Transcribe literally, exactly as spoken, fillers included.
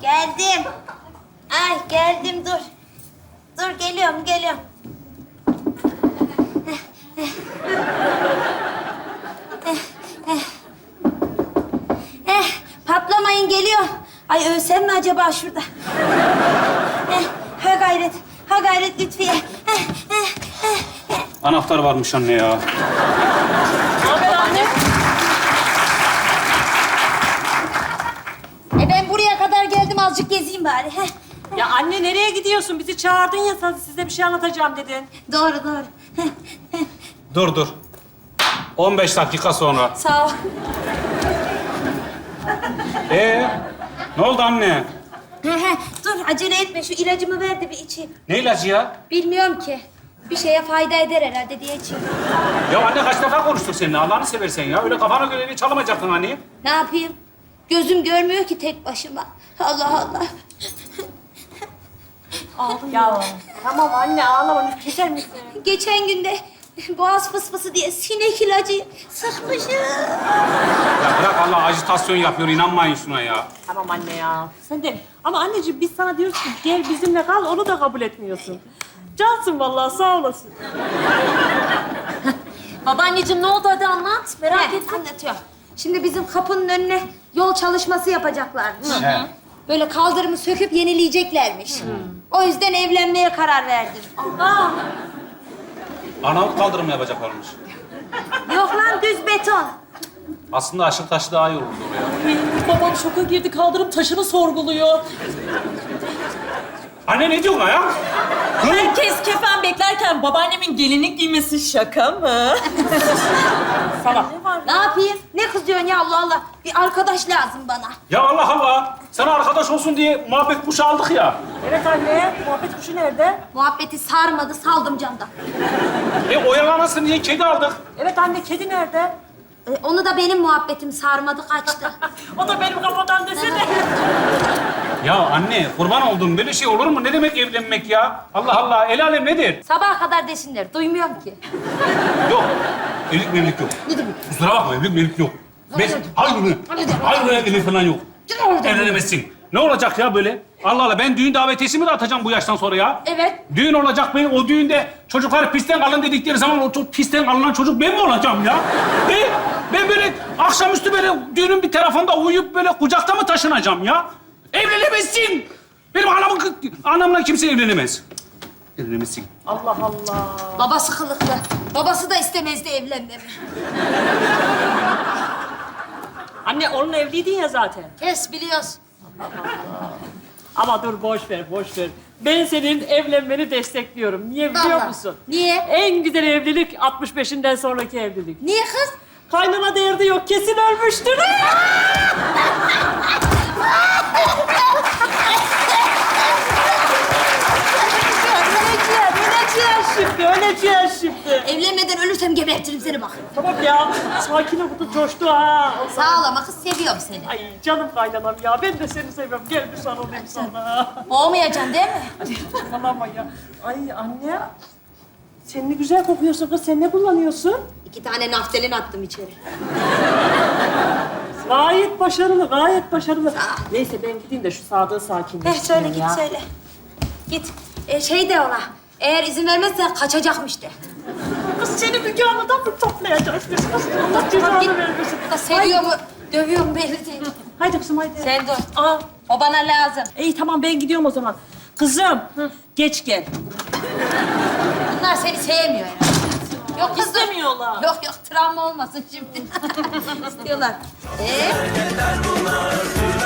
Geldim. Ay geldim dur. Dur geliyorum geliyorum. Eh, patlamayın geliyor. Ay ölsem mi acaba şurada? Eh, ha gayret, ha gayret Lütfiye. Eh, eh, eh, eh. Anahtar varmış anne ya. Ne haber anne? E ben buraya kadar geldim azıcık gezeyim bari. Heh. Ya anne nereye gidiyorsun? Bizi çağırdın ya, sen size bir şey anlatacağım dedin. Doğru doğru. Heh, heh. Dur dur. on beş dakika sonra. Sağ ol. Ee, ne oldu anne? He he, dur acele etme şu ilacımı ver de bir içeyim. Ne ilacı ya? Bilmiyorum ki. Bir şeye fayda eder herhalde diye içeyim. Ya anne kaç defa konuştuk seninle Allah'ını seversen ya. Öyle kafana göre bir çalamayacaktın anne. Ne yapayım? Gözüm görmüyor ki tek başıma. Allah Allah. Ya tamam anne ağlama, keser misin? Geçen günde boğaz fısfısı diye sinek ilacı sıkmışım. Ya bırak Allah ajitasyon yapıyor inanmayın şuna ya. Tamam anne ya. Sen de ama anneciğim biz sana diyoruz ki gel bizimle kal, onu da kabul etmiyorsun. Cansın vallahi, sağ olasın. Babaanneciğim ne oldu hadi anlat. Merak ettim. Anlatıyorum. Şimdi bizim kapının önüne yol çalışması yapacaklarmış. He. Böyle kaldırımı söküp yenileyeceklermiş. O yüzden evlenmeye karar verdim. Aa, Anamı kaldırım yapacaklarmış. Yok lan düz beton. Aslında aşık taşı daha iyi olurdu oraya. babam şoka girdi, kaldırım taşını sorguluyor. Anne ne diyorsun ya? Herkes kefen beklerken babaannemin gelinlik giymesi şaka mı? Sana. Ne yapayım? Ne kızıyorsun ya Allah Allah? Bir arkadaş lazım bana. Ya Allah Allah. Sana arkadaş olsun diye muhabbet kuşu aldık ya. Evet anne, muhabbet kuşu nerede? Muhabbeti sarmadı, saldım camdan. E oyalanasın diye kedi aldık. Evet anne, kedi nerede? E, onu da benim muhabbetim sarmadı, kaçtı. O da benim kafadan desene. Ya anne kurban oldum. Böyle şey olur mu? Ne demek evlenmek ya? Allah Allah. El alem nedir? Sabaha kadar desinler, duymuyorum ki. Yok. Evlilik mevlilik yok. Ne demek? Kusura bakma evlilik mevlilik yok. Ben, hayır mı? Hayır evlilik falan yok. Evlenemezsin. Ne olacak ya böyle? Allah Allah ben düğün davetiyesi de atacağım bu yaştan sonra ya. Evet. Düğün olacak benim o düğünde çocuklar pistten kalın dedikleri zaman o çok pisten kalınan çocuk ben mi olacağım ya? Ben, ben böyle akşamüstü böyle düğünün bir tarafında uyuyup böyle kucakta mı taşınacağım ya? Evlenemezsin. Benim anamın, anamla kimse evlenemez. Evlenemezsin. Allah Allah. Babası kılıklı. Babası da istemezdi evlenmemi. Anne onun evliydin ya zaten. Kes biliyoruz. Ama dur boş ver, boş ver. Ben senin evlenmeni destekliyorum. Niye biliyor Vallahi. musun? Niye? En güzel evlilik altmış beşinden sonraki evlilik. Niye kız? Kaynana derdi yok, kesin ölmüştür. Öleceğim, öleceğim. Şimdi öleceğiz şimdi. Evlenmeden ölürsem gebertirim seni bak. Tamam ya, sakin ol, bu da coştu ha. Sağ ol ama kız seviyorum seni. Ay canım kaynanam ya, ben de seni seviyorum. Gel bir sarılayım sana. Boğmayacaksın değil mi? Hadi saçmalama ya. Ay anne, sen ne güzel kokuyorsun kız. Sen ne kullanıyorsun? İki tane naftalin attım içeri. Gayet başarılı, gayet başarılı. Neyse ben gideyim de şu Sadık'ı Heh, sakinleştireyim söyle git ya. söyle. Git. Ee, şey de ona. Eğer izin vermezsen kaçacakmış de. Kız seni Müge Anlı'dan mı toplayacağız biz kız? Allah Git. cezanı vermesin. Da seviyor mu, dövüyor mu belli değil. Haydi kızım haydi. Sen dur. Aa, O bana lazım. iyi tamam ben gidiyorum o zaman. Kızım, geç gel. Bunlar seni sevmiyor herhalde. Yok kız dur. İstemiyorlar. Yok yok travma olmasın şimdi. İstiyorlar. Ee?